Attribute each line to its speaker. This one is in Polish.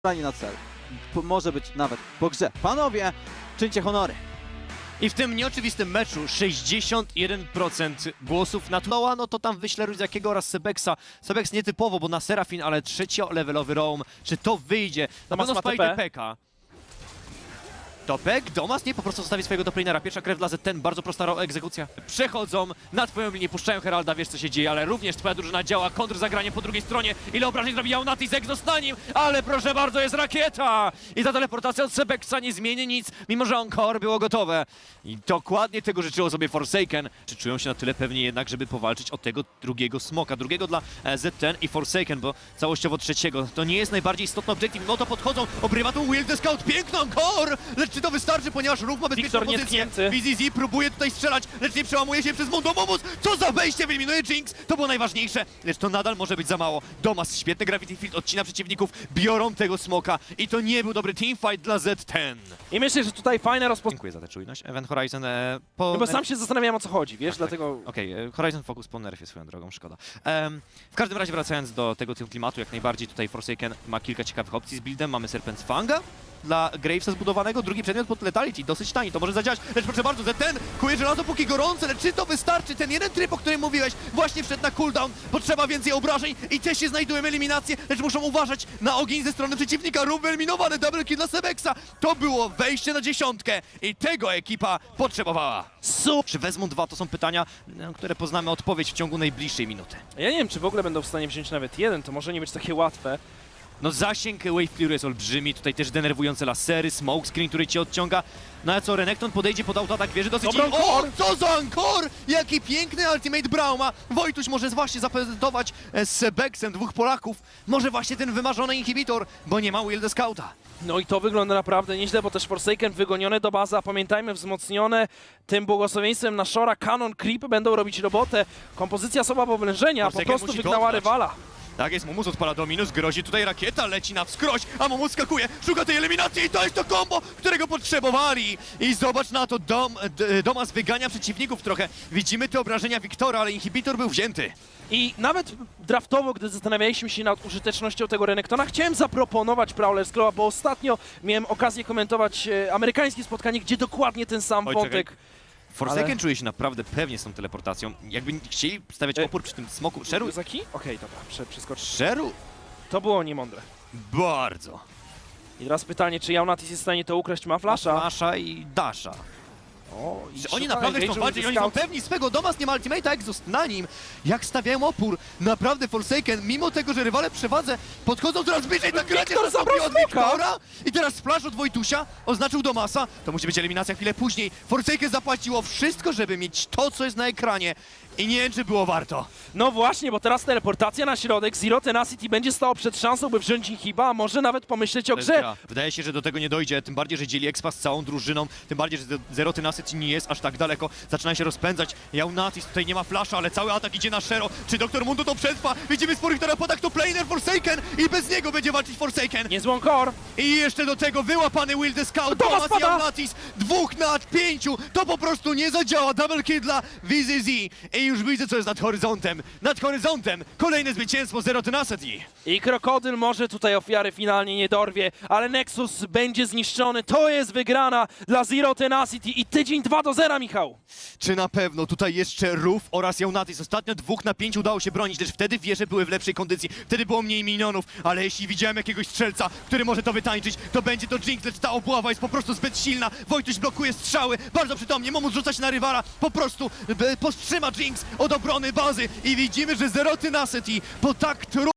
Speaker 1: na cel. Może być nawet po grze. Panowie, czyńcie honory.
Speaker 2: I w tym nieoczywistym meczu 61% głosów na Tloa, no to tam wyślę Ruziakiego oraz Sebeksa. Sebeks nietypowo, bo na Serafin, ale trzeciolevelowy roam. Czy to wyjdzie? Na
Speaker 3: Domas
Speaker 2: pewno
Speaker 3: ma
Speaker 2: spajdę
Speaker 3: TP.
Speaker 2: Peka. Topek, Domas nie po prostu zostawi swojego doplanera. Pierwsza krew dla Z10, bardzo prosta egzekucja. Przechodzą na twoją linię, puszczają Heralda, wiesz co się dzieje, ale również twoja drużyna działa, kontrzagranie po drugiej stronie. Ile obrażeń zrobi Jaunatis, Exos na nim, ale proszę bardzo, jest rakieta! I ta teleportacja od Sebeksa nie zmieni nic, mimo że Encore było gotowe. I dokładnie tego życzyło sobie Forsaken. Czy czują się na tyle pewnie jednak, żeby powalczyć o tego drugiego smoka, drugiego dla Z10 i Forsaken, bo całościowo trzeciego. To nie jest najbardziej istotny obiektyw, no to podchodzą, obrywa tu Will the Scout, piękny Encore! Lecz czy to wystarczy, ponieważ Ruch ma bezpieczną
Speaker 3: Wiktor
Speaker 2: pozycję.
Speaker 3: nietknięty.
Speaker 2: VZZ próbuje tutaj strzelać, lecz nie przełamuje się przez Mundo Momus. Co za wejście, wyeliminuje Jinx. To było najważniejsze, lecz to nadal może być za mało. Domas, świetny Gravity Field, odcina przeciwników, biorą tego smoka i to nie był dobry teamfight dla Z10.
Speaker 3: I myślę, że tutaj fajne rozpoczęcie.
Speaker 2: Dziękuję za tę czujność. Event Horizon
Speaker 3: No bo sam się zastanawiałem, o co chodzi, wiesz,
Speaker 2: Tak,
Speaker 3: dlatego...
Speaker 2: Okej, Horizon Focus po nerfie swoją drogą, szkoda. W każdym razie wracając do tego klimatu, jak najbardziej tutaj Forsaken ma kilka ciekawych opcji z buildem. Mamy Serpent Fanga dla Gravesa zbudowanego, drugi przedmiot pod Letality, dosyć tani, to może zadziałać, lecz proszę bardzo, Z10 kuje żelazo póki gorące, lecz czy to wystarczy? Ten jeden tryb, o którym mówiłeś, właśnie wszedł na cooldown, potrzeba więcej obrażeń i też się znajdują eliminacje, lecz muszą uważać na ogień ze strony przeciwnika, Rób wyeliminowany, double kill dla Sebeksa, to było wejście na 10 i tego ekipa potrzebowała. Czy wezmą dwa? To są pytania, na które poznamy odpowiedź w ciągu najbliższej minuty.
Speaker 3: Ja nie wiem, czy w ogóle będą w stanie wziąć nawet jeden, to może nie być takie łatwe.
Speaker 2: No zasięg Wave Clear jest olbrzymi, tutaj też denerwujące lasery, smoke screen, który cię odciąga. No a co, Renekton podejdzie pod autoatak wieży dosyć...
Speaker 3: Dobra,
Speaker 2: O,
Speaker 3: Encore!
Speaker 2: co za Encore! Jaki piękny ultimate Brauma! Wojtuś może właśnie zaprezentować z Sebeksem dwóch Polaków. Może właśnie ten wymarzony inhibitor, bo nie ma Will the Scouta.
Speaker 3: No i to wygląda naprawdę nieźle, bo też Forsaken wygonione do bazy, a pamiętajmy, wzmocnione tym błogosławieństwem na Shora, Canon, Creep będą robić robotę. Kompozycja słaba oblężenia, po
Speaker 2: Forsaken
Speaker 3: prostu
Speaker 2: musi
Speaker 3: wygnała
Speaker 2: dotknąć.
Speaker 3: rywala.
Speaker 2: Tak jest, Mumus odpala Dominus, grozi tutaj rakieta, leci na wskroś, a Mumus skakuje, szuka tej eliminacji i to jest to combo, którego potrzebowali. I zobacz na to, Domas wygania przeciwników trochę. Widzimy te obrażenia Wiktora, ale inhibitor był wzięty.
Speaker 3: I nawet draftowo, gdy zastanawialiśmy się nad użytecznością tego Renektona, chciałem zaproponować Prowler's Claw, bo ostatnio miałem okazję komentować amerykańskie spotkanie, gdzie dokładnie ten sam
Speaker 2: Oj,
Speaker 3: wątek...
Speaker 2: Forsaken
Speaker 3: Ale-
Speaker 2: czuje się naprawdę pewnie z tą teleportacją. Jakby chcieli stawiać opór przy tym smoku. Sheru...
Speaker 3: Zaki? Okej, dobra, przeskocz.
Speaker 2: Sheru?
Speaker 3: To było niemądre.
Speaker 2: Bardzo.
Speaker 3: I teraz pytanie, czy Jaunatis jest w stanie to ukraść? Ma flasha?
Speaker 2: Flasha i Dasha.
Speaker 3: O, i
Speaker 2: Czy oni
Speaker 3: szuka
Speaker 2: naprawdę chcą
Speaker 3: engage'u
Speaker 2: walczyć?
Speaker 3: ze
Speaker 2: Oni są
Speaker 3: scout.
Speaker 2: pewni swego. Domas nie ma ultimate'a, Exhaust na nim. Jak stawiają opór. Naprawdę Forsaken, mimo tego, że rywale przewadze, podchodzą coraz bliżej. Tak
Speaker 3: Wiktor zabrał
Speaker 2: od
Speaker 3: smoka.
Speaker 2: Wiktora. I teraz splash od Wojtusia oznaczył Domasa. To musi być eliminacja chwilę później. Forsaken zapłaciło wszystko, żeby mieć to, co jest na ekranie. I nie wiem, czy było warto.
Speaker 3: No właśnie, bo teraz teleportacja na środek, Zero Tenacity będzie stało przed szansą, by wziąć inhiba, a może nawet pomyśleć o grze.
Speaker 2: Wydaje się, że do tego nie dojdzie, tym bardziej, że dzieli Expa z całą drużyną, tym bardziej, że Zero Tenacity nie jest aż tak daleko, zaczynają się rozpędzać. Jaunatis tutaj nie ma flasha, ale cały atak idzie na Shero. Czy Dr. Mundo to przetrwa? Widzimy sporych terapodak, to planer Forsaken i bez niego będzie walczyć Forsaken.
Speaker 3: Niezłą core.
Speaker 2: I jeszcze do tego wyłapany Will the Scout,
Speaker 3: Domas
Speaker 2: Domas i
Speaker 3: pada!
Speaker 2: Jaunatis, 2 na 5, to po prostu nie zadziała, double kill dla VZZ. I już widzę, co jest nad horyzontem, kolejne zwycięstwo Zero Tenacity.
Speaker 3: I Krokodyl może tutaj ofiary finalnie nie dorwie, ale Nexus będzie zniszczony, to jest wygrana dla Zero Tenacity i tydzień 2-0, Michał.
Speaker 2: Czy na pewno tutaj jeszcze Ruf oraz Jaunatis? Ostatnio 2 na 5 udało się bronić, lecz wtedy wieże były w lepszej kondycji, wtedy było mniej minionów, ale jeśli widziałem jakiegoś strzelca, który może to wytańczyć, to będzie to Jinx, lecz ta obława jest po prostu zbyt silna. Wojtuś blokuje strzały, bardzo przytomnie, Momus rzuca się na rywala, po prostu powstrzyma Jinx od obrony bazy i widzimy, że Zero Tenacity po tak